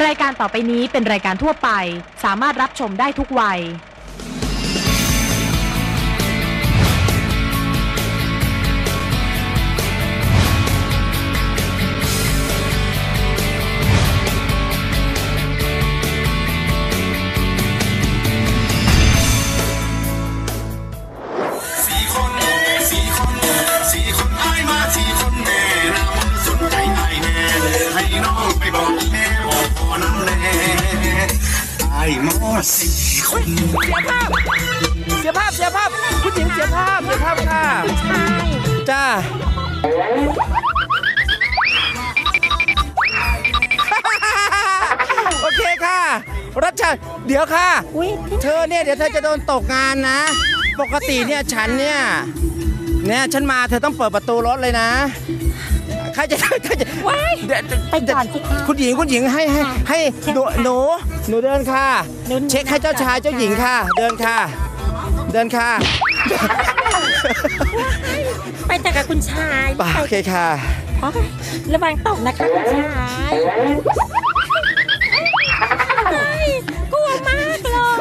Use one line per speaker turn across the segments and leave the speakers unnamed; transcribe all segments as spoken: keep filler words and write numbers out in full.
รายการต่อไปนี้เป็นรายการทั่วไปสามารถรับชมได้ทุกวัย
เสียภาพเสียภาพเสียภาพผู้หญิงเสียภาพเสียภาพค่ะใช่จ้าโอเคค่ะรัชชาเดี๋ยวค่ะเธอเนี่ยเดี๋ยวเธอจะโดนตกงานนะปกติเนี่ยฉันเนี่ยเนี่ยฉันมาเธอต้องเปิดประตูรถเลยนะใครจะใครจะไปก่อนสิคะคุณหญิงคุณหญิงให้ให้ให้หนูหนูหนูเดินค่ะเช็คให้เจ้าชายเจ้าหญิงค่ะเดินค่ะเดินค่ะ
ไปแต่กับคุณชาย
ป่าโอเคค่ะ
ระวังตกนะคะคุณชายกลัวมากเลย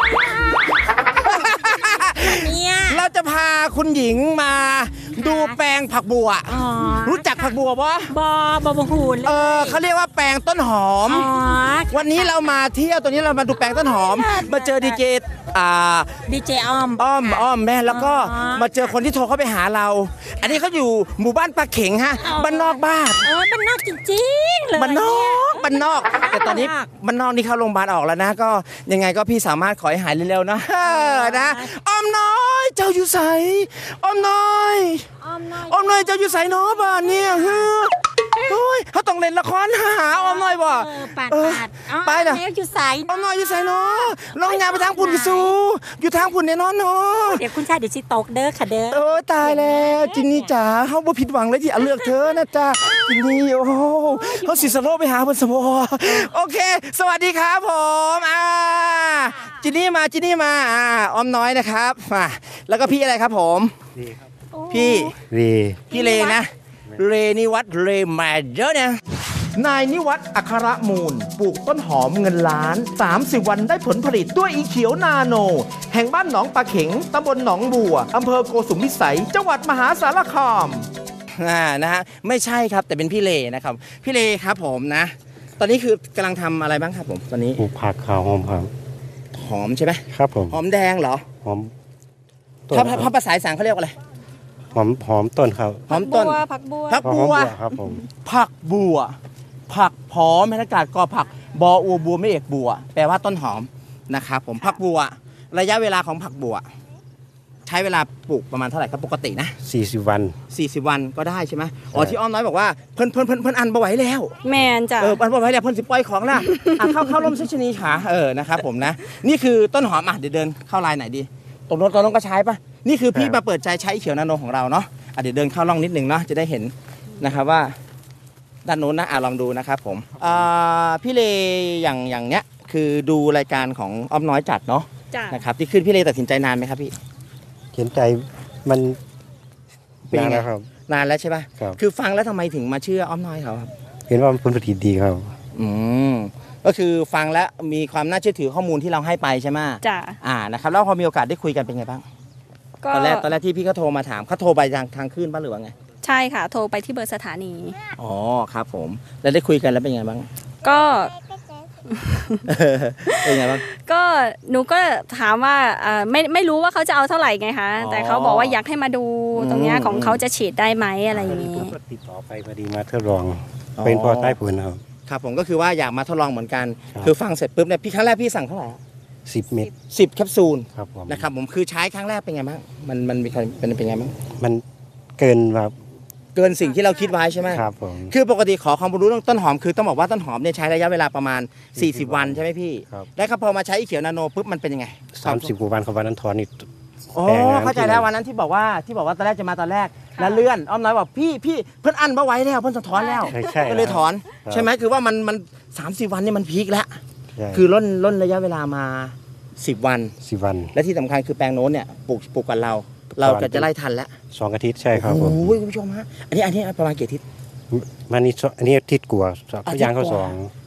เนี่ย
เราจะพาคุณหญิงมาดูแปลงผักบัวรู้จักผักบัวปะ
บอบอบหู
เออเขาเรียกว่าแปลงต้นหอมวันนี้เรามาเที่ยวตัวนี้เรามาดูแปลงต้นหอมมาเจอดีเจอ่า
ดีเจอ้อม
อ้อมอ้อมแม่แล้วก็มาเจอคนที่โทรเข้าไปหาเราอันนี้เขาอยู่หมู่บ้านปลาเข็งฮะบ้านนอกบ้าน
เออบ้านนอกจริงๆเลย
บ้านนอกบ้านนอกแต่ตอนนี้บ้านนอกนี่เข้าโรงพยาบาลออกแล้วนะก็ยังไงก็พี่สามารถขอให้หายเร็วๆนะนะอ้อมน้อยเจ้าอยู่ใสอ้อมน้อยอ้อมน้อยเจ้าอยู่ใสเนาะบ้านเนี่ยเฮ้ยเขาต้องเล่นละครหาอ้อมน้อยบ่
เออไปนะอยู่ใส
อ้อมน้อยอยู่ใสเนาะลองยาไปทางพุ่นกิซูอยู่ทางพุ่นเนี่ยนอนเนาะ
เดี๋ยวคุณชายเดี๋ยวชิตกเด้อค่ะเด้อ
โอ้ตายแล้วจินนี่จ๋าเขาบ่ผิดหวังเลยที่เลือกเธอนะจ๊ะจินนี่โอ้เขาสิสโลไปหาเพิ่นสมอโอเคสวัสดีครับผมอ่าจินนี่มาจินนี่มาอ่าอ้อมน้อยนะครับมาแล้วก็พี่อะไรครับผมพี่
เร
พี่เลนะเรนิวัฒน์เรมาเยอะเนี่ยนายนิวัฒน์อัครมูลปลูกต้นหอมเงินล้านสามสิบวันได้ผลผลิตด้วยอีเขียวนาโนแห่งบ้านหนองปลาเข็งตำบลหนองบัวอำเภอโกสุมพิสัยจังหวัดมหาสารคามอ่านะฮะไม่ใช่ครับแต่เป็นพี่เลนะครับพี่เลครับผมนะตอนนี้คือกำลังทำอะไรบ้างครับผมตอนนี้
ปลูกผักขาวหอมครับ
หอมใช่ไหม
ครับผม
หอมแดงเหรอ
หอม
ถ้าภาษาอีสานเขาเรียกว่าอะไร
หอมหอมต้นครับ
หอมต้น
ผักบัว
ผักบัว
ครับผม
ผักบัวผักหอมบรรยากาศกอผักบออัวบัวไม่เอกบัวแปลว่าต้นหอมนะครับผมผักบัวระยะเวลาของผักบัวใช้เวลาปลูกประมาณเท่าไหร่ครับปกตินะ
สี่สิบวัน
สี่สิบวันก็ได้ใช่ไหมอ๋อที่อ้อมน้อยบอกว่าเพิ่นเพิ่นเพิ่นเพิ่นอันบ่ไหวแล้ว
แมนจ้ะ
เอออันบ่ไหวแล้วเพิ่นสิปล่อยของล่ะอ่ะเข้าเข้าร่มชนีขาเออนะครับผมนะนี่คือต้นหอมอ่ะเดี๋ยวเดินเข้าลายไหนดีตรงโน้นตรงโน้นก็ใช้ป่ะนี่คือพี่มาเปิดใจใช้เขียวนาโนของเราเนาะอ่ะเดี๋ยวเดินเข้าร่องนิดนึงเนาะจะได้เห็นนะครับว่าด้านโน้นนะอ่ะลองดูนะครับผมอ่าพี่เลอย่างอย่างเนี้ยคือดูรายการของอ้อมน้อยจัดเนาะนะครับที่ขึ้นพี่เลตัดสินใจนานไหมครับพี่
เขียนใจมันนานแล้วครับ
นานแล้วใช่ป่ะคือฟังแล้วทำไมถึงมาเชื่ออ้อมน้อยเขาครับ
เห็นว่ามันผลผลิตดีครับ
อืมก็คือฟังแล้วมีความน่าเชื่อถือข้อมูลที่เราให้ไปใช่ไหม
จ้ะ
อ่านะครับแล้วพอมีโอกาสได้คุยกันเป็นไงบ้างตอนแรกตอนแรกที่พี่เขาโทรมาถามเขาโทรไปทางทางขึ้นป่ะหรือว่าไง
ใช่ค่ะโทรไปที่เบอร์สถานี
อ๋อครับผมแล้วได้คุยกันแล้วเป็นไงบ้าง
ก็
เป็นไงบ้าง
ก็หนูก็ถามว่าไม่ไม่รู้ว่าเขาจะเอาเท่าไหร่ไงคะแต่เขาบอกว่าอยากให้มาดูตรงนี้ของเขาจะฉีดได้ไหมอะไรอย่างนี้
ติดต่อไปพอดีมาทดลองเป็นพอใต้ผลครับ
ครับผมก็คือว่าอยากมาทดลองเหมือนกันคือฟังเสร็จปุ๊บเนี่ยพี่ครั้งแรกพี่สั่งเท่าไหร่
สิบเม็ด
สิบแคปซูล
น
ะครับผมคือใช้ครั้งแรกเป็นไงบ้างมันมันเป็นเป็นไงบ้าง
มันเกินแบบ
เกินสิ่งที่เราคิดไว้ใช่ไหม
ครับผม
คือปกติขอความรู้เรื่องต้นหอมคือต้องบอกว่าต้นหอมเนี่ยใช้ระยะเวลาประมาณสี่สิบวันใช่ไหมพี่แล้วพอมาใช้อีเขียวนาโนปุ๊บมันเป็นยังไง
สามสิบกว่าวันของวันนั้นถอนนี่
อ๋อเข้าใจแล้ววันนั้นที่บอกว่าที่บอกว่าตอนแรกจะมาตอนแรกแล้วเลื่อนอ้อมน้อยบอกพี่พี่เพิ่นอั้นมาไว้แล้วเพิ่นจะถอนแล้วก็เลยถอนใช่ไหมคือว่ามันมันสามสิบวันนี่มันพีคแล้วคือล้นล้นระยะเวลามาสิบวัน
สิบวัน
และที่สำคัญคือแปลงโน้นเนี่ยปลูกปลูกกันเราเราจะจะไล่ทันแล้ว
สองอาทิตย์ใช่ครับผม
โอ้ยคุณผู้ชมฮะอันนี้อันนี้ประมาณกี่อาทิตย์
มันนี่อันนี้อาทิตย์กว่าย่างเข้าสอง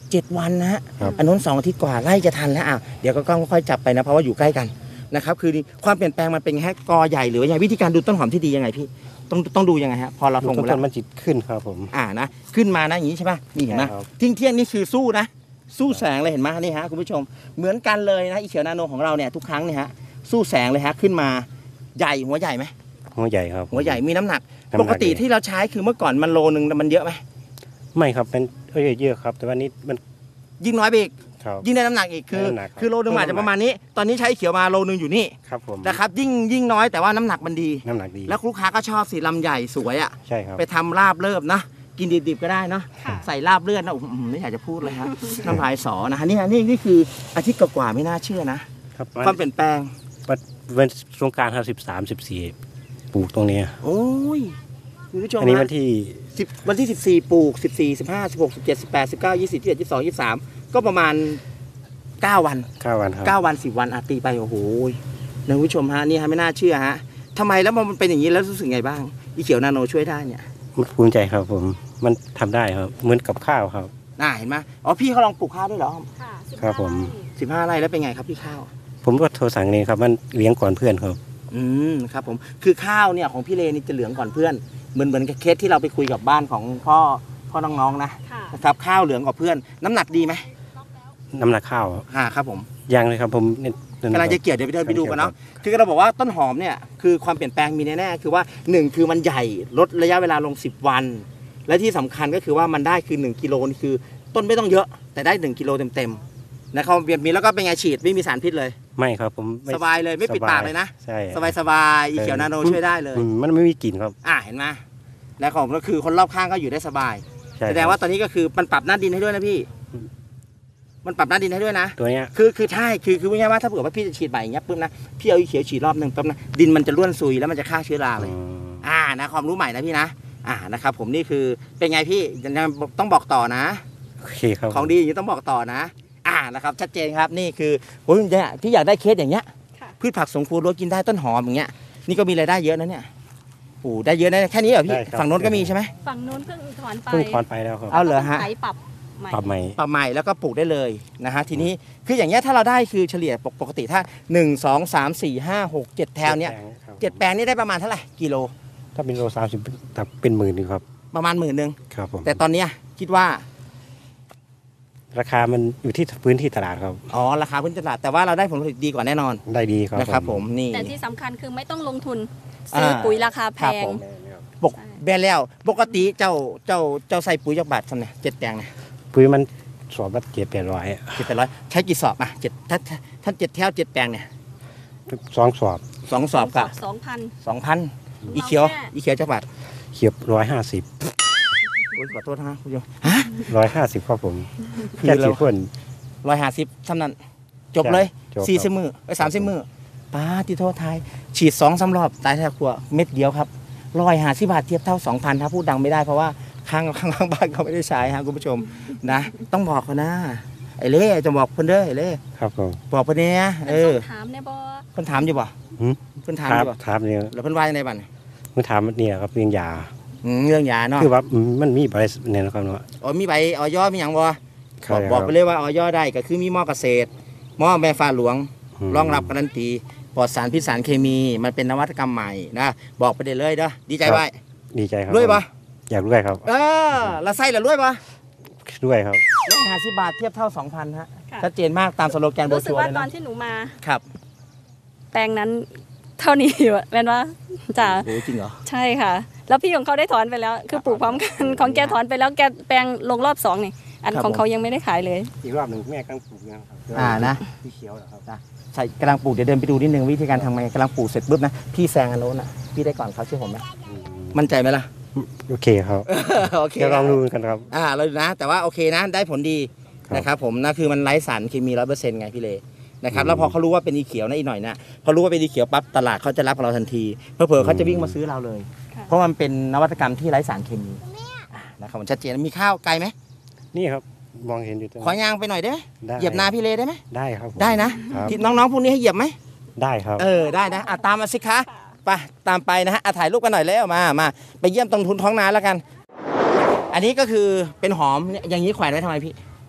เจ็ดวันนะฮะ
ครับ
อันนู้นสองอาทิตย์กว่าไล่จะทันแล้วอ่ะเดี๋ยวก็ต้องค่อยจับไปนะเพราะว่าอยู่ใกล้กันนะครับคือความเปลี่ยนแปลงมันเป็นแค่กอใหญ่หรือว่ายังไงวิธีการดูต้นหอมที่ดียังไงพี่ต้องต้องดูยังไงฮะพอเรา
ต้
ล
น
ง
ต้
ไปแล้ว
นมันจิตขึ้นครับผม
อ่านะขึ้นมานะอย่างนี้ใช่ป่ะนี่เห็นไหม
ใช่ครับ
ทิ้งเที่ยงนี่คือสู้นะ สู้แสงเลยเห็นไหมนี่ฮะคุณผู้ชมเหมือนกันเลยนะอีเขียวนาโนของเราเนี่ยทุกครั้งเนี่ยฮะสู้แสงเลยฮะขึ้นมาใหญ่หัวใหญ่ไหม
หัวใหญ่ครับ
หัวใหญ่มีน้ำหนัก
น้ำหนัก
ปกติที่เราใช้คือเมื่อก่อนมันโลนึงมันเยอะไหม
ไม่ครับเป็นเอ้ยเยอะครับ แต่ว่านี้มัน
ยิ่งน้อยไปอีก
ครับ
ยิ่งได้น้ำหนักอีกคือ
ได้น้ำหนักครับ
คือโลนึงอาจจะประมาณนี้ ตอนนี้ใช้เขียวมาโลนึงอยู่นี่
ครับผม
นะครับยิ่งยิ่งน้อยแต่ว่าน้ำหนักมันดี
น้ำหนักดี
แล้วลูกค้าก็ชอบสีลำใหญ่สวยอ่ะ
ใช่ครับ
ไปทำลาบเลิบนะกินดิบๆก็ได้เนาะ
ค่ะ
ใส่ลาบเลือดนะโอ้โหไม่อยากจะพูดเลยฮะน้ำลายสอนะฮะนี่ฮะนี่นี่คืออาทิตย์กว่าๆไม่น่าเชื่อนะครับ ความเปลี่ยนแปลง
วันสงกรานต์ครับสิบสามสิบสี่ปลูกตรงนี้
โอ้ยคุณผู้ชม
อันนี้
ฮะ
วันที่
สิบวันที่สิบสี่ปลูกสิบสี่ สิบห้า สิบหก สิบเจ็ด สิบแปด สิบเก้า ยี่สิบ ยี่สิบเอ็ด ยี่สิบสอง ยี่สิบสามก็ประมาณเก้าวัน
เก้าวันครับ
เก้าวันสิบวันอาตีไปโอ้โหนะคุณผู้ชมฮะนี่ฮะไม่น่าเชื่อฮะทำไมแล้วมันเป็นอย่างนี้แล้วรู้สึกไงบ้างอีเขียวนาโนช่วยได้เนี่ย
มันภูมิใจครับผมมันทำได้ครับเหมือนกับข้าวครับ
น่าเห็นไหมอ๋อพี่เขาลองปลูกข้าวด้วยเหรอ
ค่ะ
ครับผม
สิบห้าไร่แล้วเป็นไงครับพี่ข้าว
ผมก็โทรสั่งเองครับมันเลี้ยงก่อนเพื่อนครับ
อืมครับผมคือข้าวเนี่ยของพี่เลนี่จะเหลืองก่อนเพื่อนเหมือนเหมือนกับเคสที่เราไปคุยกับบ้านของพ่อพ่อน้องๆนะ
ค่ะ
นะครับข้าวเหลืองกว่าเพื่อน น้ำหนักดีไหม
น้ำหนักข้าว
อ่าครับผม
ยังเลยครับผมเนี่ย
กำลังจะเกี่ยวเดี๋ยวไปเดินไปดูกันเนาะคือเราบอกว่าต้นหอมเนี่ยคือความเปลี่ยนแปลงมีแน่ๆคือว่าหนึ่งคือมันใหญ่ลดระยะเวลาลงสิบวัน และที่สำคัญก็คือว่ามันได้คือหนึ่งกิโลนี่คือต้นไม่ต้องเยอะแต่ได้หนึ่งกิโลเต็มๆนะครับเบียดมีแล้วก็เป็นไงฉีดไม่มีสารพิษเลย
ไม่ครับผมไม่
สบายเลยไม่ปิดปากเลยนะ
ใช่
สบายสบายๆอีเขียวนาโนช่วยได้เลย
อืมมันไม่มีกลิ่นครับ
อ่าเห็นไหมแล้วของก็คือคนรอบข้างก็อยู่ได้สบาย
ใช่
แสดงว่าตอนนี้ก็คือมันปรับหน้าดินให้ด้วยนะพี่
อืม
มันปรับหน้าดินให้ด้วยนะ
ตัวเนี้ย
คือคือใช่คือคือพูดง่ายๆว่าถ้าเผื่อว่าพี่จะฉีดใหม่อย่างเงี้ยปุ๊บนะพี่เอาอีเขียวฉีดรอบหนึ่งปุ๊บนะดินมันจะร่วนซุยแล้วมันจะฆ่าเชื้อราเลย
อืม
อ่านะความรู้ใหม่นะพี่นะอ่านะครับผมนี่คือเป็นไงพี่ยังต้องบอกต่อนะ
โอเคครับ
ของดีอย่างนี้ต้องบอกต่อนะ อ่านะครับชัดเจนครับนี่คือโอ้ยเนี่ยพี่อยากได้เคสอย่างเงี้ย
ค่ะ
พืชผักสวนครัวรั้วกินได้ต้นหอมอย่างเงี้ยนี่ก็มีรายได้เยอะนะเนี่ยโอ้ได้เยอะนะแค่นี้เหรอพี่
ได้ครับ
ฝั่งโน้นก็มีใช่ไหม
ฝั่งนู้นเพิ่งถอนไป
เพิ่งถอนไปแล้วครับ
เอาเหรอฮะ
ไถปรับใหม่
ปรับใหม่
ปรับใหม่แล้วก็ปลูกได้เลยนะฮะทีนี้คืออย่างเงี้ยถ้าเราได้คือเฉลี่ยปกติถ้าหนึ่ง สอง สาม สี่ ห้า หก เจ็ดแถวเนี้ย
ครับ
เจ็ดแปลงนี่ได้ประมาณเท่าไหร่กิโล
ถ้าเป็นโลสามสิบแต่เป็นหมื่นหนึงครับ
ประมาณหมื่นหนึ่ง
ครับผม
แต่ตอนเนี้ยคิดว่า
ราคามันอยู่ที่พื้นที่ตลาดครับ
อ๋อราคาพื้นตลาดแต่ว่าเราได้ผลผลิตดีกว่าแน่นอน
ได้ดีครับ
นะครับผมนี่
แต่ที่สำคัญคือไม่ต้องลงทุนซื้อ
อ่า
ปุ๋ยราคาแพ
ครับ
ง
ผมปกแบนแล้วปกติเจ้าเจ้าเจ้าใส่ปุ๋ยจากบาทสำเนี่ยเจ็ดแปลงเนี่ย
ปุ๋ยมันสอบละเจ็ดแปดร้อย
เจ็ดแปดร้อยใช้กี่สอบอ่ะเจ็ดถ้าถ้าถ้าเจ็ดแถวเจ็ดแปลงเนี่ย
สองสอบ
สองสอบกับ
สองพัน
สองพันอีเขียว
เราแค่
อีเขียวจากบาท
เขียบร้อยห้าสิบ
โอ้ยขอโทษนะคุณผู้ชมฮะ
ร้อยห้าสิบครับผม
คือ
แค่
เรา
สิบคน
ร้อยห้าสิบเท่านั้น จบเลย
จบครับ
สี่สิบมือไอ้สามสิบมือป้าที่โทษทายฉีดสองสารอบตายแท้ครัวเม็ดเดียวครับร้อยห้าสิบบาทเทียบเท่าสองพันถ้าพูดดังไม่ได้เพราะว่าข้างข้างข้างบ้านเขาไม่ได้ใช้ฮะคุณผู้ชมนะ ต้องบอกเขานะไอ้เล่จะบอกเพิ่นเด้อไอ้เล่
ครับผม
บอกเพิ่นเนี่ยเออ
ถามเนี่ยบอ
เพิ่นถามอยู่บ่
หืม
เพิ่นถาม
ค
อ
รับ
ยู่บ่
ถามเนี่ย
แล้วเพิ่นว่ายังไงบ้าง
เมื่อถามเนี่ยครับเรื่องยา
อืมเรื่องยาเนาะ
คือว่าอืมมันมีบริษัทเนี่ยนะครับเนาะ
อ๋อมีใบออยมีหยังบ่
ครั
บอกบอกไปเลยว่าออยได้ก็คือมีหม้อเกษตรหม้อแม่ฟ้าหลวง
ม
รองรับการันตีปลอดสารพิษสารเคมีมันเป็นนวัตกรรมใหม่นะบอกไปได้เลยเด้อดีใจไว้
ดีใจครับ
รวยปะ
อยากรวยครับ
เออละไส้ละรวยปะ
รวยครับ
ร้อยห้าสิบบาทเทียบเท่าสองพันฮะ
ค่ะ
ชัดเจนมากตามสโลแกนโบ
รู้สึ
ชั
ก
วร์
ว่า
เลย
ตอน
นะ
ที่หนูมา
ครับ
แปลงนั้นเท่านี้อยู่อะแม่นว่าจ้ะ
โอ้จริงเหรอ
ใช่ค่ะ แล้วพี่ของเขาได้ถอนไปแล้ว คือปลูกพร้อมกัน ของแกถอนไปแล้วแกแปลงลงรอบสองนี่อัน
ครับ
ของ
ผม
เขายังไม่ได้ขายเลย
อีกรอบหนึ่งแม่กำลังปลูกนะครับ
อ่านะ
ที่เขียวเหรอครับ
ใช่กำลังปลูกเดี๋ยวเดินไปดูนิดนึงวิธีการทำไงกำลังปลูกเสร็จปุ๊บนะพี่แซงอันโน้นอ่ะพี่ได้ก่อนเขาเชื่อผมไหม
อืม
มั่นใจไหมล่ะ
โอเคครับ
โอเค
เดี๋ยวลองดูกันครับ
อ่าเราดูนะแต่ว่าโอเคนะได้ผลดี
ครับ
นะครับผมนะคือมันไร้สารเคมีร้อยเปอร์เซ็นต์ไงพี่เลนะครับ
อืม
แล้วพอเขารู้ว่าเป็นอีเขียวนะอีกหน่อยนะพอรู้ว่าเป็นอีเขียวปั๊บตลาดเขาจะรับเราทันทีเผลอๆเขาจะวิ่งมาซื้อเราเลย
ค่ะ
เพราะมันเป็นนวัตกรรมที่ไร้สารเคมีอ่ะนะครับผมชัดเจนมีข้าวไกลไหม
นี่ครับมองเห็นอยู่ตรง
ขอยางไปหน่อยได้ไหม
ได้
เหยียบนาพี่เลได้ไหม
ได้ครับผม
ได้นะครับ ที่น้องๆพวกนี้ให้เหยียบไหม
ได้ครับ
เออได้นะอ่ะตามมาสิคะไปตามไปนะฮะอ่ะถ่ายรูปกันหน่อยแล้วมามาไปเยี่ยมตรงทุนท้องนาแล้วกัน อันนี้ก็คือเป็นหอมเนี่ยอย่างนี้แขวนไว้ทำไมพี่
ห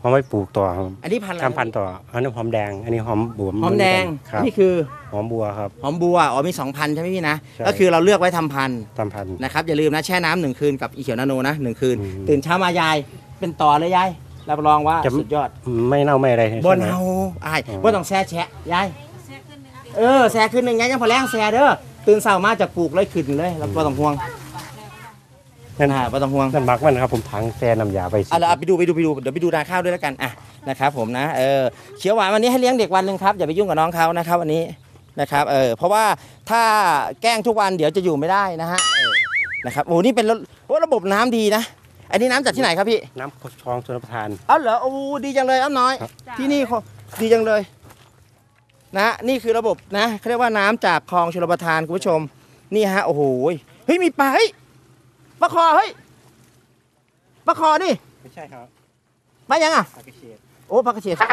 เอาไว้ปลูกต่อครับ
อันนี้พันธุ์อะไร
ทำพันธุ์ต่ออันนี้หอมแดง อันนี้หอมบัว
หอมแดง
ครับ
นี่คือ
หอมบัวครับ
หอมบัวอ๋อมีสองพันใช่ไหมพี่นะ
ใช่
ก็คือเราเลือกไว้ทำพันธุ์
ทำพันธุ์
นะครับอย่าลืมนะแช่น้ำหนึ่งคืนกับอีเขียวนาโนนะหนึ่งคืน
อืม
ตื่นเช้ามายายเป็นต่อเลยยายรับรองว่า
จะ
สุดยอด
ไม่เน่าไม่อะไร
บ
ใช่
น
ไหม
เอาอ้าย
อ๋อ
บ่ต้องแช่แฉะยายเออแช่ขึ้นหนึ่งไงยังพอแรงแช่เด้อตื่นเช้ามาจากปลูกเลยขึ้นเลยแล้วบ่ต้องห่วง
นั่น
อ่าบ่ต้องห่วง
นั่นมักมันครับผมถังแซ่น้ำยาไป
เอาละเอาไปดูไปดูไปดูเดี๋ยวไปดูนาข้าวด้วยแล้วกันอ่ะนะครับผมนะเออเขียวหวานวันนี้ให้เลี้ยงเด็กวันหนึ่งครับอย่าไปยุ่งกับน้องเขานะครับวันนี้นะครับเออเพราะว่าถ้าแกล้งทุกวันเดี๋ยวจะอยู่ไม่ได้นะฮะเออนะครับโอ้นี่เป็นระโอ้ระบบน้ำดีนะอันนี้น้ำจากที่ไหนครับพี่
น้ำคลองชลประทาน
เอาเหรอโอ้ดีจังเลยอ้ำน้อย
ครับ
ที่นี่เขาดีจังเลยนะนี่คือระบบนะเขาเรียกว่าน้ำจากคลองชลประทานคุณผู้ชมนี่ฮะโอ้โหเฮ้ยมีปลาเฮ้ยปลาคอเฮ้ยปลาคอนี่
ไม่ใช่ครับ
ปลายังอ่ะ
ปลากระเฉด
โอ้ปลากระเฉด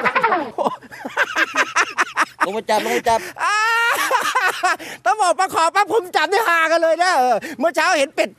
ลงมาจับลงมาจับ
อ่าต้องบอกปลาขอปลาผมจับได้หากันเลยนะเออเมื่อเช้าเห็นเป็ด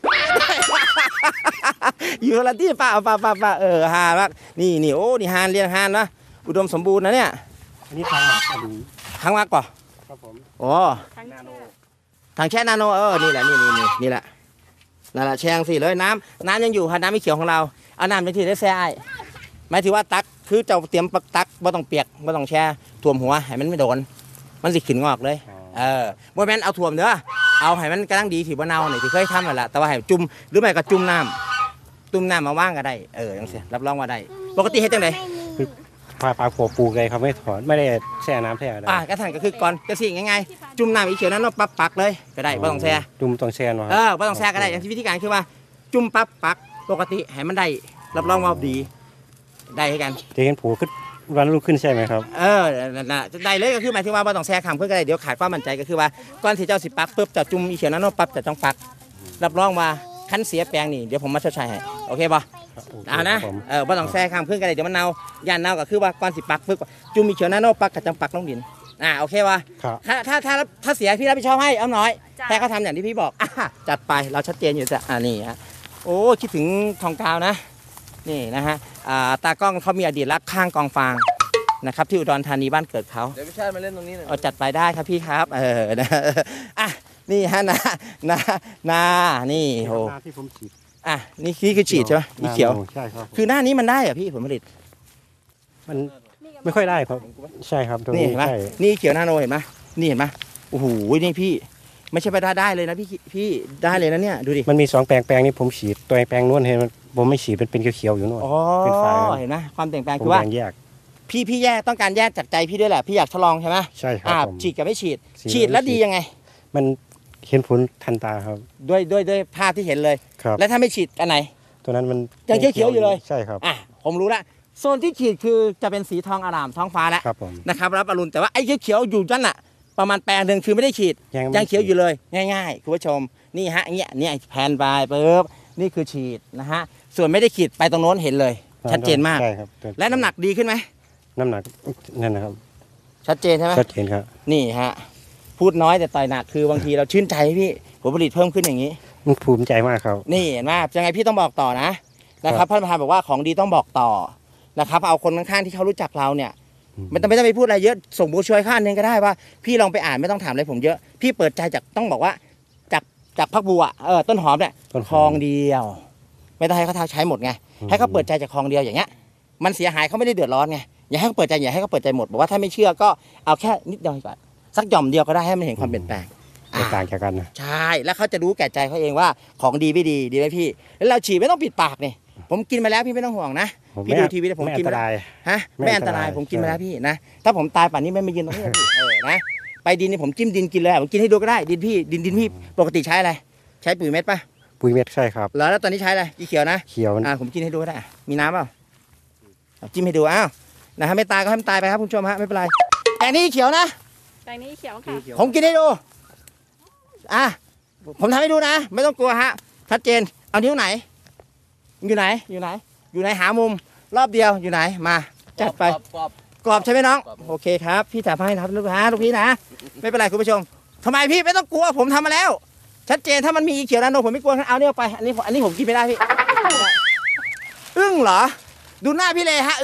อยู่ละที่ป่าป่าป่าป่าเออหามากนี่นี่โอ้นี่ฮานเรียงฮานนะอุดมสมบูรณ์นะเนี่ย
อันนี้ทางหมักอันนี้
ทางมากกว่า
ครับผม
โอ้
นาโน
ทางแช่นาโนเออนี่แหละนี่นี่นี่นี่แหละนั่นแหละแช่งสิเลยน้ำน้ำยังอยู่ค่ะน้ำไม่เขียวของเราเอาน้ำไปที่ได้แช่ไอ้หมายถึงว่าตักคือเจ้าเตรียมปักตักไม่ต้องเปียกไม่ต้องแช่ท่วมหัวให้มันไม่โดนมันสิขึ้นงอกเลย เออบ่แม่นเอาถ่วมเด้อเอาให้มันกำลังดีที่บ่เน่านี่ที่เคยทำนั่นแหละแต่ว่าให้จุ่มหรือไม่ก็จุ่มน้ำจุ่มน้ำมาว่างก็ได้เออจังซี่รับรองว่าได้ปกติเฮ็ดจังได๋
ปลาปลาโขปลูกเลยครับไม่ถอนไม่ได้แช่น้ำแช่อะไร
อ่ากระทั่นก็คือก่อนจังซี่ง่ายๆจุ่มน้ำอีเขียวนั้นเนาะปั๊บปักเลยก็ได้บ่ต้องแช่
จุ่มต้องแช่เนาะค
เอ
รับ
อบ่ต้องแช่ก็ได้อย่างที่วิธีการคือว่าจุ่มปั๊บปักปกติให้มันได้รับรองว่าดีได้ให้กัน
จะเห็นผูขึ้นวันรุ่งขึ้นใช่ไหมครับ
เออนั่นน่ะได้เลยก็คือหมายถึงว่าบ่ต้องแช่คำเพื่อก็ได้เดี๋ยวขาดความมั่นใจก็คือว่าก่อนที่เจ้าสิปักปุ๊บจะจุ่มอีเขียวนั้นเนาะปั๊บจะต้องปักรับรองว่าคันเสียแปลงนี่เดี๋ยวผมมาชดใช้ให้โอเคป่ะ เอานะ
ครับผม
เออบ่ต้องแซ่ข้ามขึ้นกันเลยเดี๋ยวมันเน่าย่านเน่าก็คือว่าก่อนสิปักปึ๊บจุ่มมีเขียวหน้าโนปักกับจังปักลงดินอ่าโอเคป่ะ
ครับ
ถ้าถ้าถ้าถ้าเสียพี่รับผิดชอบให้เอาน้อย
จ้ะ
แค่เขาทำอย่างที่พี่บอกอ่ะจัดไปเราชัดเจนอยู่จ้ะอ่านี่ฮะโอ้คิดถึงทองกาวนะนี่นะฮะอ่าตากล้องเขามีอดีตรักข้างกองฟางนะครับที่อุดรธานีบ้านเกิดเขา
เดี๋ยวพี่ชาติมาเล่นตรงนี้หน่อย
เอาจัดไปได้ครับพี่ครับเออนะอ่ะนี่ฮะนะนะนานี่โห
หน้าที่ผมฉีด
อ่ะนี่นี่คือฉีดใช่ไหมนี่เขียว
นาโนใช่ครับ
คือหน้านี้มันได้เหรอพี่ผลผลิต
มันไม่ค่อยได้ครับใช่ครับตรง
นี่
นี้
เห็นไหม
ใช่
นี่เขียวนาโนเห็นไหมนี่เห็นไหมโอ้โหนี่พี่ ไม่ใช่ไปได้ได้เลยนะพี่พี่ได้เลยนะเนี่ยดูดิ
มันมีสองแปลงแปลงนี้ผมฉีดตัวแปลงนู้นเห็นมันผมไม่ฉีดมันเป็นเขียวๆอยู่นู่น
อ๋อ
เป็นฝาครับ
เห็นไหมความเปลี่ยนแปลง
ผม
คือว่า
แบ่งแยก
พี่พี่แยกต้องการแยกจากใจพี่ด้วยแหละพี่อยากทดลองใช่ไหม
ใช่ครับ
อ่า
ผม
ฉีดกับไม่ฉีด
ฉีด
ฉีดแล้ว
ไม่ฉีด
ดียังไง
มันเห็นผลทันตาครับ
ด้วยด้วยด้วยภาพที่เห็นเลย
ครับ
แล้วถ้าไม่ฉีดอันไหน
ตัวนั้นมัน
ยังเขียวๆอยู่เลย
ใช่ครับ
อ่ะผมรู้ละโซนที่ฉีดคือจะเป็นสีทองอร่ามท้องฟ้าแล้ว
ครับผม
นะครับรับอรุณแต่ว่าไอ้เขียวๆอยู่นั่นน่ะประมาณแปลงหนึ่งคือไม่ได้ฉีด
ยังไม่
ยังเขียวอยู่เลยง่ายๆคุณผู้ชมนี่ฮะเนี่ยเนี่ยแผ่นไปปุ๊บนี่คือฉีดนะฮะส่วนไม่ได้ฉีดไปตรงโน้นเห็นเลย ชัดเจนมาก
ใช่ครับตัว
และน้ำหนักดีขึ้นไหม
น้ำหนักนั่นนะครับ
ชัดเจนใช่ไหม
ชัดเจนครับ
นี่ฮะพูดน้อยแต่ต่อยหนักคือบางทีเราชื่นใจพี่ผลผลิตเพิ่มขึ้นอย่างนี้
มันภูมิใจมากครับ
นี่เห็นไหมยังไงพี่ต้องบอกต่อนะนะครับท่านประธานบอกว่าของดีต้องบอกต่อนะครับเอาคนข้างๆที่เขารู้จักเราเนี่ย
อืม
ไม่ต้องไม่ต้องไปพูดอะไรเยอะส่งบูช่วยข้างนึงก็ได้ว่าพี่ลองไปอ่านไม่ต้องถามอะไรผมเยอะพี่เปิดใจจากต้องบอกว่าจากจากพักบัวเออต้นหอมเนี่ย
ต้น
คลองเดียว ไม่ต้องให้เขาใช้หมดไง
อืม
ให้เขาเปิดใจจากคลองเดียวอย่างเงี้ยมันเสียหายเขาไม่ได้เดือดร้อนไงอย่าให้เขาเปิดใจอย่าให้เขาเปิดใจหมดบอกว่าถ้าไม่เชื่อก็เอาแค่นิดเดียวก่อนสักหย่อมเดียวก็ได้ให้มันเห็นความเปลี่ยนแปลง
แตกต่างจากกันนะ
ใช่แล้วเขาจะรู้แก่ใจเขาเองว่าของดีไม่ดีดีไหมพี่แล้วเราฉีดไม่ต้องปิดปากนี่ผมกินมาแล้วพี่ไม่ต้องห่วงนะ
ผม
พี่
ไม่
ดูทีวีแล้วผม
ไม่
กิ
อั
น
นต
มาแล้ว
ราย
ฮะ
ไม่
ไม่
อั
อั
น
น
ต
ต
ราร
าย ยผมกินมาแล้วพี่นะถ้าผมตายป่านนี้ไม่มายืนตรงนี้พี่เออนะไปดินนี่ผมจิ้มดินกินเลยผมกินให้ดูก็ได้ดินพี่ดินดินพี่ปกติใช้อะไรใช้ปุ๋ยเม็ดป่ะ
ปุ๋ยเม็ดใช่ครับ
แล้วแล้วตอนนี้ใช้อะไรอีเขียวนะ
เขียว
อ่าผมกินให้ดูก็ได้มีน้ำเปล่าเอาจิ้มให้ดูอ้าวนะฮะไม่ตายก็ให้มันตายไปครับคุณผู้ชมฮะไม่เป็นไรแต่นี่เขียวนะ
แปลงนี้เขียวค่ะ
ผมกินให้ดูอ่ะผมทำให้ดูนะ ไม่ต้องกลัวฮะชัดเจนเอานิ้วไหน อยู่ไหนอยู่ไหน อยู่ไหนหามุมรอบเดียวอยู่ไหนมาจัดไป
กรอบกรอบ
กรอบใช่ไหมน้อง
กรอบ
โอเคครับพี่ถ่ายให้นะครับลูกค้าลูกพี่นะไม่เป็นไรคุณผู้ชมทำไมพี่ไม่ต้องกลัวผมทำมาแล้ว ชัดเจนถ้ามันมีอีเขียวนาโนผมไม่กลัวเอาเนี่ยไปอันนี้อันนี้ผมกินไม่ได้พี่อึ้งเหรอ ดูหน้าพี่เลยฮะอึ้ง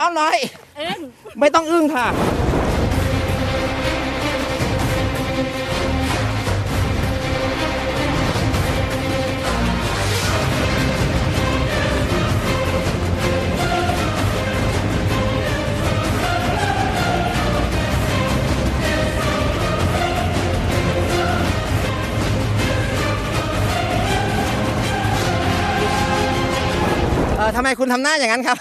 อ้อมน้อย
อึ้ง
ไม่ต้องอึ้งค่ะเออทำไมคุณทำหน้าอย่างนั้นครับ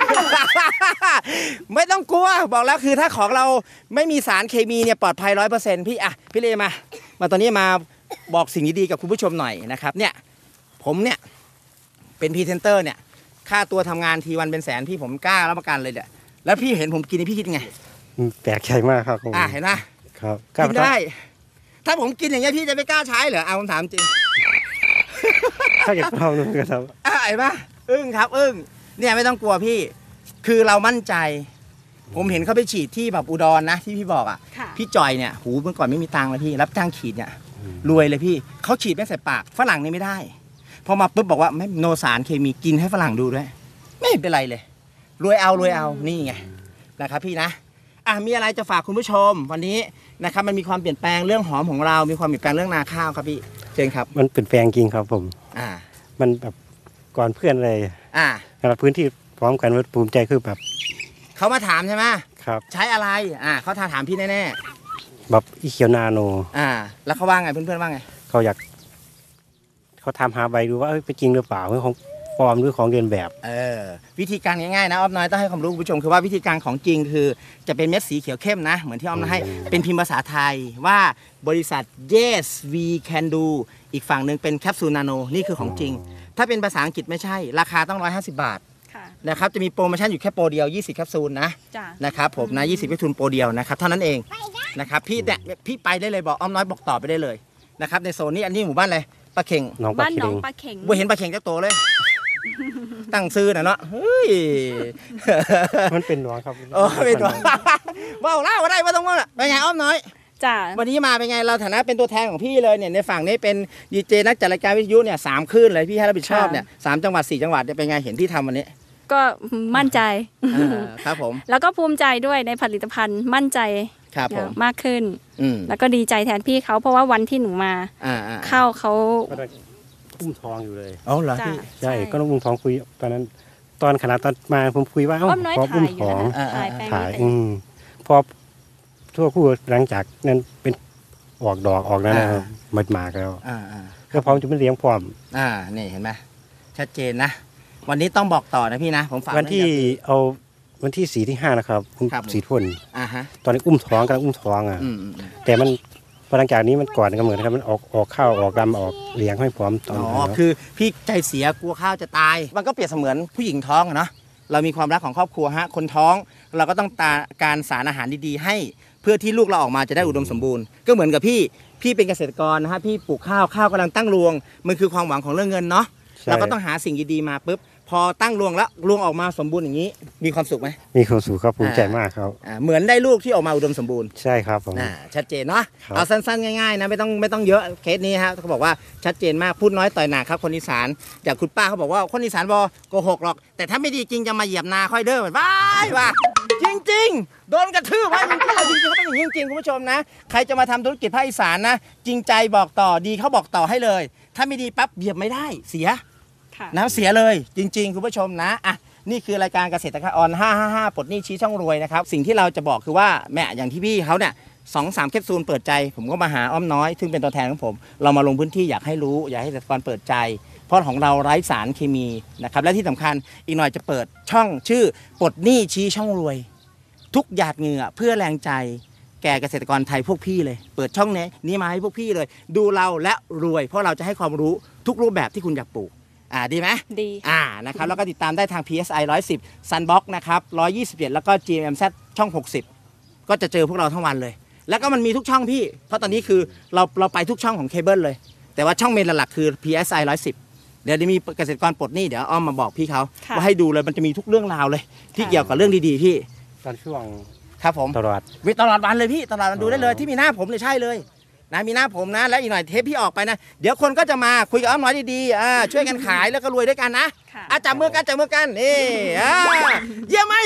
ไม่ต้องกลัวบอกแล้วคือถ้าของเราไม่มีสารเคมีเนี่ยปลอดภัยร้อยเปอร์เซ็นต์พี่อ่ะพี่เลมามาตอนนี้มาบอกสิ่งดีๆกับคุณผู้ชมหน่อยนะครับเนี่ยผมเนี่ยเป็นพรีเซนเตอร์เนี่ยค่าตัวทำงานทีวันเป็นแสนพี่ผมกล้ารับประกันเลยเนี่ยแล้วพี่เห็นผมกินนี่พี่คิดไง
แปลกใจมากครับผม
อ่ะเห็นไหม
ครับ
กินได้ ถ้าผมกินอย่างเงี้ยพี่จะไม่กล้าใช้เหรอเอาผมถามจริง
ถ้าอยากลองดูกันครับ
อ่ะเห็นปะอึ้งครับอึ้งเนี่ยไม่ต้องกลัวพี่คือเรามั่นใจ ผมเห็นเขาไปฉีดที่แบบอุดรนะที่พี่บอกอ่ะ
ค่ะ
พี่จอยเนี่ยหูเมื่อก่อนไม่มีตังค์เลยพี่รับจ้างฉีดเนี่ยรวยเลยพี่เขาฉีดไม่ใส่ปากฝรั่งนี่ไม่ได้พอมาปุ๊บบอกว่าไม่โนสารเคมีกินให้ฝรั่งดูด้วยไม่เป็นไรเลยรวยเอารวยเอานี่ไงนะครับพี่นะอ่ะมีอะไรจะฝากคุณผู้ชมวันนี้นะครับมันมีความเปลี่ยนแปลงเรื่องหอมของเรามีความเปลี่ยนแปลงเรื่องนาข้าวครับพี่เชิญครับ
มันเป็นแปลงจริงครับผม
อ่า
มันแบบก่อนเพื่อนเลย
อ่า
นะครับพื้นที่พร้อมกันว่าภูมิใจคือแบบ
เขามาถามใช่ไหม
ครับ
ใช้อะไรอ่าเขาถามพี่แน่
แบบอีเขียวนาโน
ๆอ่าแล้วเขาว่าไงเพื่อนๆว่าไง
เขาอยากเขาทำหาใบดูว่าเอ้ยเป็นจริงหรือเปล่าเรื่องของฟอร์มหรือของเรียนแบบ
เออวิธีการง่ายๆนะอ้อมน้อยต้องให้ความรู้คุณผู้ชมคือว่าวิธีการของจริงคือจะเป็นเม็ดสีเขียวเข้มนะเหมือนที่อ้อมน้อยให้เป็นพิมพ์ภาษาไทยว่าบริษัท yes we can do อีกฝั่งหนึ่งเป็นแคปซูลนาโนนี่คือของจริง ถ้าเป็นภาษาอังกฤษไม่ใช่ราคาต้องหนึ่งร้อยห้าสิบบาท
ค่ะ
นะครับจะมีโปรโมชั่นอยู่แค่โปรเดียวยี่สิบแคปซูลนะ
จ้ะ
นะครับผมนะยี่สิบแคปซูลโปรเดียวนะครับเท่านั้นเองนะครับพี่เนี่ยพี่ไปได้เลยบอกอ้อมน้อยบอกต่อไปได้เลยนะครับในโซนนี้อันนี้หมู่บ้านอะไรปลาเข่ง
น้องปลา
บ้านหน
เค็
อง
ง
ปลาเข็ง
บ่เห็นปลาเข่งจักโตเลย ตั้งซื้อน่ะเนาะเฮ้ย
มันเป็นหน้องครับ
โอ้เป็นตัว ว้าวเล่าก็ได้ว่าต้องว่าเป็นไงอ้อมน้อย
จ้ะ
วันนี้มาเป็นไงเราฐานะเป็นตัวแทนของพี่เลยเนี่ยในฝั่งนี้เป็นดีเจนักจัดรายการวิทยุเนี่ยสามคลื่นเลยพี่ให้รับผิดชอบเนี่ยสามจังหวัดสี่จังหวัดเนี่ยเป็นไงเห็นพี่ทำวันนี้
ก็มั่นใจ
อ่าครับผม
แล้วก็ภูมิใจด้วยในผลิตภัณฑ์มั่นใจ
ครับผม
มากขึ้น
อืม
แล้วก็ดีใจแทนพี่เขาเพราะว่าวันที่หนูมา
อ่าอ่า
เข้าเขา
ก็ได้อุ้มทองอยู่เลย
อ๋อเหรอ
จ้ะ
พี่
ใช่ก็ต้องอุ้มทองคุยตอนนั้น ตอนขนาดตอนมาผมคุยว่าเอ้า
อ้อมน้อย
ขอ
ถ่า
อุ้ม
ยอ
ท
ยู่
อง
นะถ่ายแปลง
ถ่าย
นี้
อืมพอทั่วคู่หลังจากนั้นเป็นออกดอกออกนั้นนะครับมันมากแล้ว
อ่าอ่า
ก็พร้อมจะไม่เลี้ยงพร้อม
อ่านี่เห็นไหมชัดเจนนะ วันนี้ต้องบอกต่อนะพี่นะผมฝาก
วันที่
ไกับ
เอาวันที่สี่ที่ห้านะครับคุณ
ครับผม
สีทุ่น
อ่าฮะ
ตอนนี้อุ้มท้องกำลังอุ้มท้องอ่ะ
อืมอืมอืม
แต่มันพอหลังจากนี้มันก่อนกำเนิดนะครับมันออกออกข้าวออกดำออกเลี้ยงให้พร้อมตอน
อ๋อ
นั้น
คือพี่ใจเสียกลัวข้าวจะตาย มันก็เปรียบเสมือนผู้หญิงท้องอะเนาะเรามีความรักของครอบครัวฮะคนท้องเราก็ต้องตาการสารอาหารดีๆให้ เพื่อที่ลูกเราออกมาจะได้อุดมสมบูรณ์ก็เหมือนกับพี่พี่เป็นเกษตรกรนะฮะพี่ปลูกข้าวข้าวกำลังตั้งรวงมันคือความหวังของเรื่องเงินเนาะ
ใช่
เราก็ต้องหาสิ่งดีๆมาปุ๊บพอตั้งรวงแล้วรวงออกมาสมบูรณ์อย่างนี้ มีความสุขไหม
มีความสุขครับภูมิใจมากครับ
อ่าเหมือนได้ลูกที่ออกมาอุดมสมบูรณ์
ใช่ครับผม
อ่าชัดเจนเนาะ
ครับ
เอาสั้นๆง่ายๆนะไม่ต้องไม่ต้องเยอะเคสนี้ฮะเขาบอกว่าชัดเจนมากพูดน้อยต่อยหนักครับคนอีสานจากคุณป้าเขาบอกว่าคนอีสานบอกโกหกหรอก แต่ถ้าไม่ดีจริงจะมาเหยียบนาค่อยเด้อว้ายว่ะจริง ๆ โดนกระทืบว่าจริงๆเอาจริงๆเขาเป็นอย่างนี้จริงๆคุณผู้ชมนะใครจะมาทำธุรกิจภาคอีสานนะจริงใจบอกต่อดีเขาบอกต่อให้เลย ถ้าไม่ดีปั๊บเหยียบไม่ได้เสีย
ค่ะ
น้ำเสียเลยจริงๆ คุณผู้ชมนะอ่ะนี่คือรายการเกษตรกรออนห้าห้าห้าปลดหนี้ชี้ช่องรวยนะครับสิ่งที่เราจะบอกคือว่าแม่อย่างที่พี่เขาเนี่ยสองสามแคปซูลเปิดใจ ผมก็มาหาอ้อมน้อยซึ่งเป็นตัวแทนของผม เรามาลงพื้นที่อยากให้รู้อยากให้เกษตรกรเปิดใจ เพราะของเราไร้สารเคมีนะครับและที่สำคัญอีกหน่อยจะเปิดช่องชื่อปลดหนี้ชี้ช่องรวย ทุกหยาดเหงื่อเพื่อแรงใจแก่เกษตรกรไทยพวกพี่เลย เปิดช่องนี้นี้มาให้พวกพี่เลย ดูเราและรวย เพราะเราจะให้ความรู้ทุกรูปแบบที่คุณอยากปลูกอ่าดีไหม
ดี
อ่านะครับแล้วก็ติดตามได้ทาง พี เอส ไอ หนึ่งร้อยสิบ Sunbox นะครับหนึ่งร้อยยี่สิบเอ็ดแล้วก็ จี เอ็ม เอ็ม แซด ช่องหกสิบก็จะเจอพวกเราทั้งวันเลย แล้วก็มันมีทุกช่องพี่ เพราะตอนนี้คือเราเราไปทุกช่องของเคเบิลเลย แต่ว่าช่องเมนหลักๆคือ พี เอส ไอ หนึ่งร้อยสิบ เดี๋ยวจะมีเกษตรกรปลดหนี้เดี๋ยวอ้อมมาบอกพี่เขา
ค่ะ
ว่าให้ดูเลยมันจะมีทุกเรื่องราวเลย ที่
ค่ะ
เกี่ยวกับเรื่องดีๆพี่
ตอนช่วง
ครับผม
ตลอด
วิตลอดวันเลยพี่ตลอดวันดูได้เลย
อ๋อ
ที่มีหน้าผมเลยใช่เลยนะมีหน้าผมนะแล้วอีกหน่อยเทปพี่ออกไปนะเดี๋ยวคนก็จะมาคุยกับอ้อมน้อยดีๆอ่าช่วยกันขายแล้วก็รวยด้วยกันนะ
ค่ะ
อาจับมือกันจับมือกันนี่อ่าเยี่ยมไหม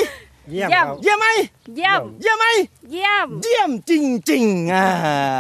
เยี่ยม
เยี่ยม
ครับเยี่ยมไหม
เยี่ยม
เยี่ยมไหม
เยี่ยม
เยี่ยมจริงๆอ่า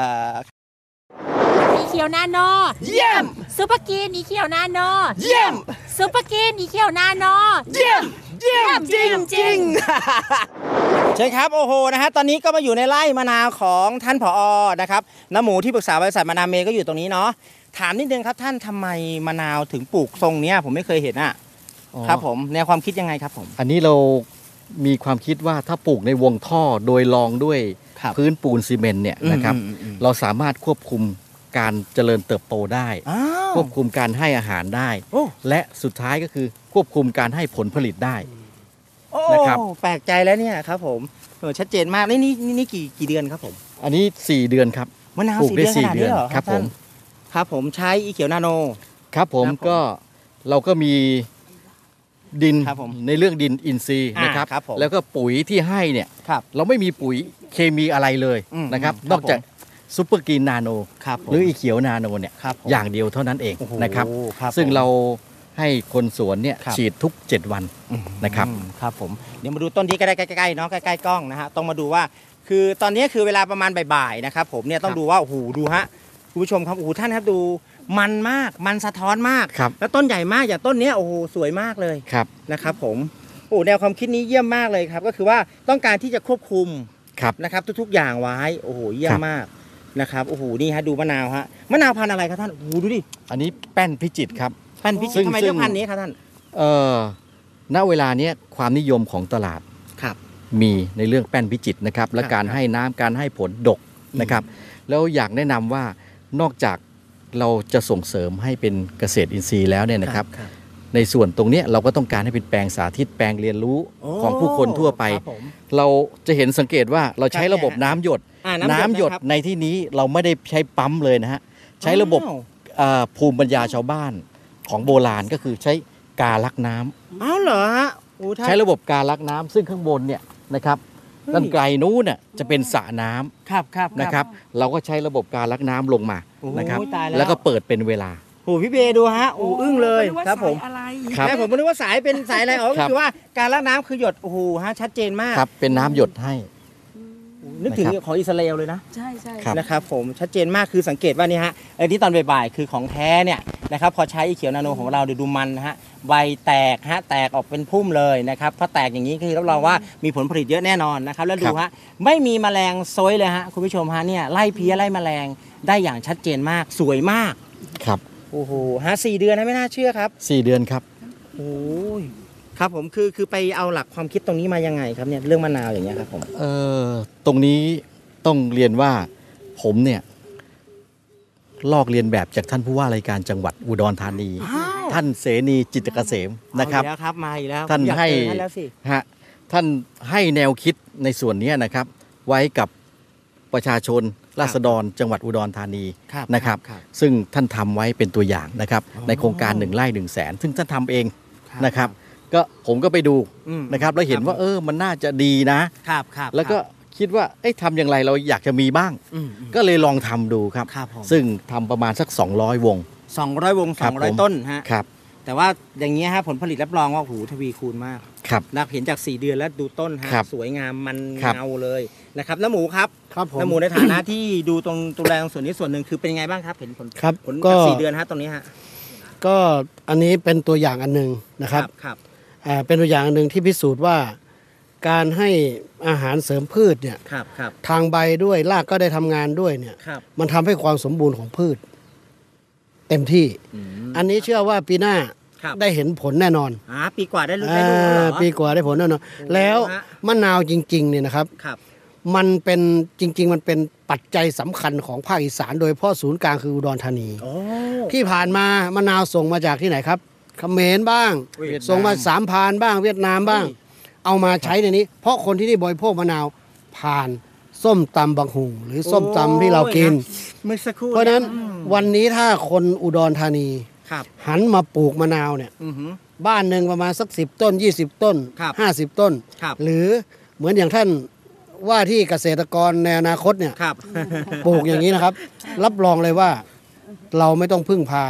อีเขียวนาโน
เยี่ยม
ซุปเปอร์กินอีเขียวนาโน
เยี่ยม
ซุปเปอร์กินอีเขียวนาโน
เยี่ยมเยี่ยมจริงจริงๆ ใช่ครับโอ้โหนะฮะตอนนี้ก็มาอยู่ในไร่มะนาวของท่านผอนะครับน้าหมูที่ปรึกษาบริษัทมะนาวเมย์ก็อยู่ตรงนี้เนาะถามนิดนึงครับท่านทำไมมะนาวถึงปลูกทรงเนี้ยผมไม่เคยเห็นอ่ะ
อ๋อ
ครับผมแนวความคิดยังไงครับผม
อันนี้เรามีความคิดว่าถ้าปลูกในวงท่อโดยรองด้วย
ครับ
พื้นปูนซีเมนต์เนี่ยนะครับ
อืมอืมอืม
เราสามารถควบคุมการเจริญเติบโตได้
อ้าว
ควบคุมการให้อาหารได้
โอ้
และสุดท้ายก็คือควบคุมการให้ผลผลิตได้
โอ้
นะครับ
แปลกใจแล้วเนี่ยครับผมเออชัดเจนมากนี่นี่นี่นี่กี่กี่เดือนครับผม
อันนี้สี่เดือนครับ
มะนาว
ปลูก
สี่
ได้
เดือนขนาดนี้
สี่เดือน
เหรอ
ครับผม
ท่านครับผมใช้อีเขียวนาโน
ครับผม
ครับผม
ก็เราก็มีดิน
ครับผม
ในเรื่องดินอินทรีย์
อ่า
นะครับ
ครับผม
แล้วก็ปุ๋ยที่ให้เนี่ย
ครับ
เราไม่มีปุ๋ยเคมีอะไรเลย
อืม
นะครับ
ครับ
นอกจากซูเปอร์กรีนนาโน
ครับผม
หรืออีเขียวนาโนเนี่ย
ครับผม
อย่างเดียวเท่านั้นเอง
โอ้โห
นะครับ
ครับ
ซึ่ง
ผม
เราให้คนสวนเนี่ย
ครับ
ฉีดทุก เจ็ด วันนะครับ
อืมครับผมเดี๋ยวมาดูต้นที่ใกล้ๆใกล้ๆเนาะใกล้ๆกล้องนะฮะต้องมาดูว่า คือตอนนี้คือเวลาประมาณบ่ายๆนะครับผมเนี่ยต้อง
ครับ
ดูว่าโอ้โหดูฮะคุณผู้ชมครับโอ้โหท่านครับดูมันมากมันสะท้อนมาก
ครับ
แล้วต้นใหญ่มากอย่างต้นเนี้ยโอ้โหสวยมากเลย
ครับ
นะครับผมโอ้แนวความคิดนี้เยี่ยมมากเลยครับ ก็คือว่าต้องการที่จะควบคุม
ครับ
นะครับทุกๆอย่างไว้โอ้โหเยี่ยม
ครับ
มากนะครับโอ้โหนี่ฮะดูมะนาวฮะมะนาวพันธุ์อะไรครับท่านโอ้โหดูดิ
อันนี้แป้นพิจิตรครับ
พันธุ์พิ
ซึ่
จิตรง ทำไม
ซึ่
เลื
ง
อกพันธุ์นี้ครับท่าน
เอ่อณเวลาเนี้ยความนิยมของตลาด
ครับ
มีในเรื่องแป้นพิจิตรนะครับ และ
ครับ
การให้น้ำการให้ผลดกนะครับ แล้วอยากแนะนำว่านอกจากเราจะส่งเสริมให้เป็นเกษตรอินทรีย์แล้วเนี่ยนะครับ ในส่วนตรงเนี้ยเราก็ต้องการให้เป็นแปลงสาธิตแปลงเรียนรู้
โอ้
ของผู้คนทั่วไป
ครับผม
เราจะเห็นสังเกตว่าเราใช้
ครับ
ระบบ
เนี่ย
น้ำหยด
อ่า
น้ำหยด
นะครับ
ในที่นี้เราไม่ได้ใช้ปั๊มเลยนะฮะใช้ระบบ
อ้าว
เอ่อภูมิปัญญาชาวบ้านของโบราณก็คือใช้กาลักน้ำ
อ้าวเหรอฮะโอ้ท่าน
ใช้ระบบกาลักน้ำซึ่งข้างบนเนี่ยนะครับ
เฮ้ย
ด้านไกลนู้นน่ะจะเป็นสระน้ำ
ครับครับ
นะครับ เราก็ใช้ระบบกาลักน้ำลงมา
โอ้โห
นะครับ
ตายแล้ว
แล้วก็เปิดเป็นเวลา
โอ้พี่เบดูฮะโอ้อึ้งเลยครับผม
ครับ
แม่ผมไม่รู้ว่าสายเป็นสายอะไรอ๋อก็
ครับ
คือว่าการล้างน้ำคือหยดโอ้โหฮะชัดเจนมาก
ครับเป็นน้ำหยดให้
นึกถึง
นะครับ
ของอิสราเอลเลยนะ
ใช่ใช่
ครับ
นะครับผมชัดเจนมากคือสังเกตว่านี่ฮะไอ้ที่ตอนบ่ายๆคือของแท้เนี่ยนะครับพอใช้อีเขียวนาโนของเราเดี๋ยวดูมันนะฮะใบแตกฮะแตกออกเป็นพุ่มเลยนะครับพอแตกอย่างนี้คือรับรองว่ามีผลผลิตเยอะแน่นอนนะครับแล้วดูฮะไม่มีแมลงซอยเลยฮะคุณผู้ชมฮะเนี่ยไล่เพี้ยไล่แมลงได้อย่างชัดเจนมากสวยมาก
ครับ
โอ้โหฮะสี่เดือนนะไม่น่าเชื่อครับ
สี่เดือนครับ
โอ้ยครับผมคือคือไปเอาหลักความคิดตรงนี้มายังไงครับเนี่ยเรื่องมะนาวอย่างเงี้ยครับผม
เอ่อตรงนี้ต้องเรียนว่าผมเนี่ยลอกเรียนแบบจากท่านผู้ว่าราชการจังหวัดอุดรธานี
อ้าว
ท่านเสนีจิตรเกษมนะครับ
เอาอีกแล้วครับมาอีกแล้ว
ท่าน
อยก
ให้
เจอท่านแล้วสิ
ฮะท่านให้แนวคิดในส่วนนี้นะครับ ไว้กับประชาชนราษฎรจังหวัดอุดรธานี
ครับ
นะครับ
ครับ
ซึ่งท่านทำไว้เป็นตัวอย่างนะครับ
อ๋อ
ในโครงการหนึ่งไร่หนึ่งแสนซึ่งท่านทำเอง
ครับ
นะครับ ก็ผมก็ไปดู
อืม
นะครับ แล้วเห็นว่า
ครับ
เออมันน่าจะดีนะ
ครับครับ
แล้วก็คิดว่าเอ๊ะทำอย่างไรเราอยากจะมีบ้าง
อืมอืม
ก็เลยลองทำดูครับ
ครับผม
ซึ่งทำประมาณสัก สองร้อย วง
สองร้อยวง
ค
ส
รั
อบ งร้อย
ผม
ต้นฮะ
ครับ
แต่ว่าอย่างเงี้ยฮะผลผลิตรับรองว่าโอ้โหทวีคูณมาก
ครับ
นะเห็นจากสี่เดือนแล้วดูต้นฮะ
ครับ
สวยงามมัน
ครับ
เงาเลยนะครับน้าหมูครับ
ครับผม
น้าหมูในฐานะที่ดูตรงดูแลตรงส่วนนี้ส่วนหนึ่งคือเป็นยังไงบ้างครับเห็นผล
ครับ
ผล
ก็
จากสี่เดือนฮะตรงนี้ฮะ
ก็อันนี้เป็นตัวอย่างอันหนึ่งนะครับ
ครับ
อ่าเป็นตัวอย่างอันหนึ่งที่พิสูจน์ว่า การให้อาหารเสริมพืชเนี่ย
ครับครับ
ทางใบด้วยรากก็ได้ทำงานด้วยเนี่ย
ครับ
มันทำให้ความสมบูรณ์ของพืช เต็มที่
อืม
อันนี้เชื่อว่าปีหน้า
ครับ
ได้เห็นผลแน่นอน
อ่าปีกว่าได้รู้ได้รู้แล้วเหรอ
อ่าปีกว่าได้ผลแน่นอน
โอ้
แล้ว
ฮะ
มะนาวจริงๆเนี่ยนะครับ
ครับ
มันเป็นจริง ๆ มันเป็นปัจจัยสำคัญของภาคอีสานโดยเฉพาะศูนย์กลางคืออุดรธานี
โอ้
ที่ผ่านมามะนาวส่งมาจากที่ไหนครับเขมรบ้าง
เวียดนาม
ส่งมาสามพรานบ้างเวียดนามบ้าง เอามาใช้ในนี้ เพราะคนที่นี่บริโภคมะนาวผ่านส้มตำบังหุงหรือส้มตำที่เรากิน
เมื่อสักครู่
เพราะฉะนั้น
อืม
วันนี้ถ้าคนอุดรธานี
ครับ
หันมาปลูกมะนาวเนี่ย
อือหือ
บ้านหนึ่งประมาณสักสิบต้นยี่สิบต้น
ครับ
ห้าสิบต้น
ครับ
หรือเหมือนอย่างท่านว่าที่เกษตรกรในอนาคตเนี่ย
ครับ
ปลูกอย่างนี้นะครับ รับรองเลยว่าเราไม่ต้องพึ่งพา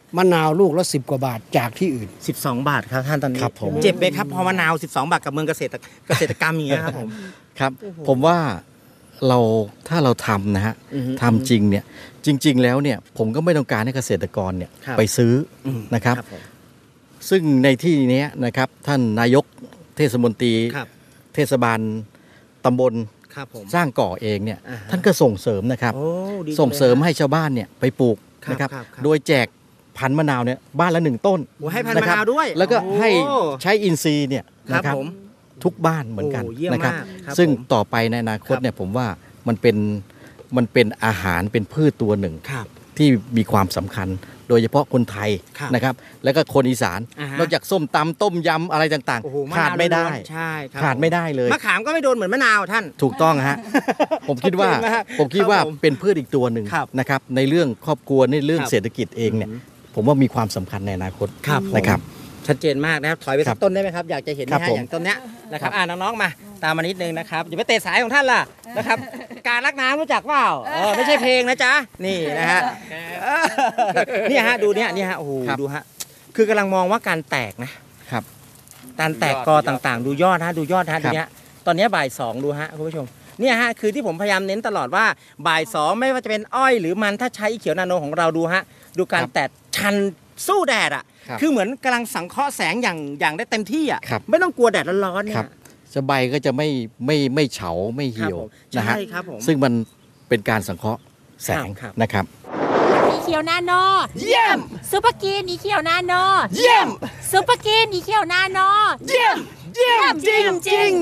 มะนาวลูกละสิบกว่าบาทจากที่อื่น
สิบสองบาทครับท่านตอนนี้
ครับผม
เจ็บไหมครับพอมะนาวสิบสองบาทกับเมืองเกษตรเกษตรกรรมอย่างเงี้ยครับผม
ครับผมว่าเราถ้าเราทำนะฮะ
อือฮึ
ทำจริงเนี่ยจริง ๆ แล้วเนี่ยผมก็ไม่ต้องการให้เกษตรกรเนี่ย
ครับ
ไปซื้ออ
ม
นะครับ
ผม
ซึ่งในที่เนี้ยนะครับท่านนายกเทศมนตรี
ครับ
เทศบาลตำบล
ครับผม
สร้างก่อเองเนี่ย
อ่าฮะ
ท่านก็ส่งเสริมนะครับ
โอ้ดีจั
ส่งเสริม
ลย
ให้ชาวบ้านเนี่ยไปปลูก
ครับ
นะครับ
ครับครับ
โดยแจกพันธุ์มะนาวเนี่ยบ้านละหนึ่งต้น
โอ้ให้พันธุ์มะ
ครั
นาวด้วย
แล้วก็
โอ้
ให้ใช้อินทรีย์เนี่ย
ครับ
นะครับ
ผม
ทุกบ้านเหมือนกัน
โอ้เยี่ยม
นะครับ
มากครับ
ซึ่ง
ผม
ต่อไปในอนาคต
ครับ
เนี่ยผมว่ามันเป็นมันเป็นอาหารเป็นพืชตัวหนึ่ง
ครับ
ที่มีความสำคัญ โดยเฉพาะคนไทย
ครับ
นะครับ แล้วก็คนอีสาน
อ่าฮะ
นอกจากส้มตำต้มยำอะไรต่าง
โอ้โห
ๆ
มะ
ขาด
นาว
ไม่ได้
ล้วนๆใช่ครับ
ขาดไม่ได้เลย
มะขามก็ไม่โดนเหมือนมะนาวท่าน
ถูกต้องฮะ ผมคิดว่า
ชัดเจนมาก
ผมคิดว่า
ครับผม
เป็นพืชอีกตัวหนึ่ง
ครับ
นะครับ ในเรื่องครอบครัวในเรื่อง
ครับ
เศรษฐกิจเองเนี่ย ผมว่ามีความสำคัญในอนาคต
ครับผม
นะครับ
ชัดเจนมากนะครับถอยไป
ครั
สัก
บ
ต้นได้ไหมครับ อยากจะเห็น
ครั
นะ
บ
ฮะ
ผม
อย่างต้นเนี้ยนะครับอ่าน้องๆมาตามมานิดนึงนะครับอย่าไปเตะสายของท่านล่ะนะครับการรักน้ำรู้จักเปล่าเออไม่ใช่เพลงนะจ๊ะนี่นะฮะเออเนี่ยฮะดูเนี่ยเนี่ยฮะโอ้โห
ครับ
ดูฮะคือกำลังมองว่าการแตกนะครับ การแตกกอต่างๆ ดูยอดฮะดูยอดฮะ
ครั
ดู
บ
เนี้ยตอนเนี้ยบ่ายสองดูฮะคุณผู้ชมเนี่ยฮะคือที่ผมพยายามเน้นตลอดว่าบ่ายสองไม่ว่าจะเป็นอ้อยหรือมันถ้าใช้อีเขียวนาโนของเราดูฮะดูการแตกชันสู้แดดอ่ะ
ครับ
คือเหมือนกำลังสังเคราะห์แสงอย่างอย่างได้เต็มที่อ่ะ
ครับ
ไม่ต้องกลัวแดดร้อนๆเนี่
ครั
ย
บจะใบก็จะไม่ไม่ไม่เฉาไม่เหี่ยว
ครับผม
นะฮะ
ใช่ครับผม
ซึ่งมันเป็นการสังเคราะห์แสง
ครับ
นะครับ
อีเขียวนาโน
เยี่ยม
ซุปเปอร์กินอีเขียวนาโน
เยี่ยม
ซุปเปอร์กินอีเขียวนาโน
เยี่ยมเยี่ยมจริงจริง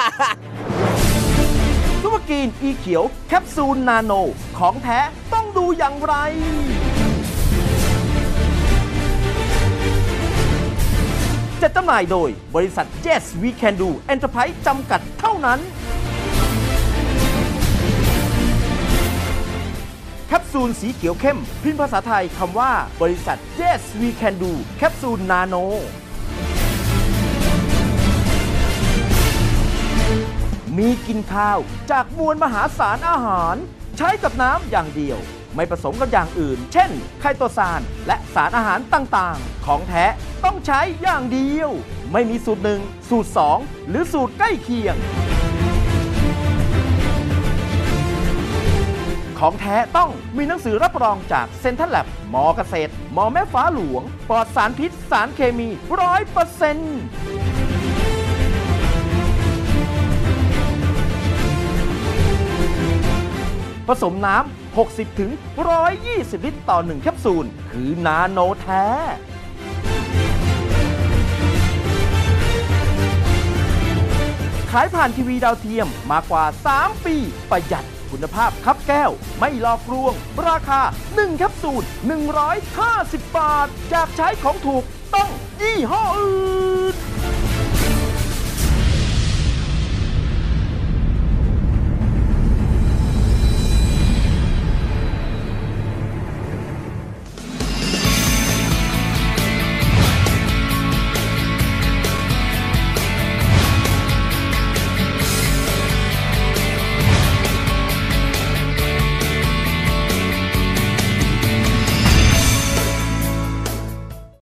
ซุปเปอร์กรีนอีเขียวแคปซูลนาโนของแท้ต้องดูอย่างไร จะจำหน่ายโดยบริษัท Yes We Can Do Enterprise จำกัดเท่านั้น แคปซูลสีเขียวเข้ม พิมพ์ภาษาไทยคำว่าบริษัท Yes We Can Do แคปซูลนาโน มีกินข้าวจากมวลมหาศาลอาหาร ใช้กับน้ำอย่างเดียว ไม่ผสมกับอย่างอื่น เช่น ไคโตซานและสารอาหารต่างๆ ของแท้ต้องใช้อย่างเดียว ไม่มีสูตรหนึ่งสูตรสองหรือสูตรใกล้เคียง ของแท้ต้องมีหนังสือรับรองจากเซ็นทรัลแลบมอเกษตรมอแม่ฟ้าหลวงปลอดสารพิษสารเคมีร้อยเปอร์เซ็นต์ผสมน้ำ หกสิบถึงหนึ่งร้อยยี่สิบ ลิตรต่อหนึ่งแคปซูล คือนาโนแท้ ขายผ่านทีวีดาวเทียมมากกว่า สาม ปี ประหยัดคุณภาพคับแก้ว ไม่หลอกลวง ราคา หนึ่ง แคปซูล หนึ่งร้อยห้าสิบ บาท จากใช้ของถูกต้องยี่ห้ออื่น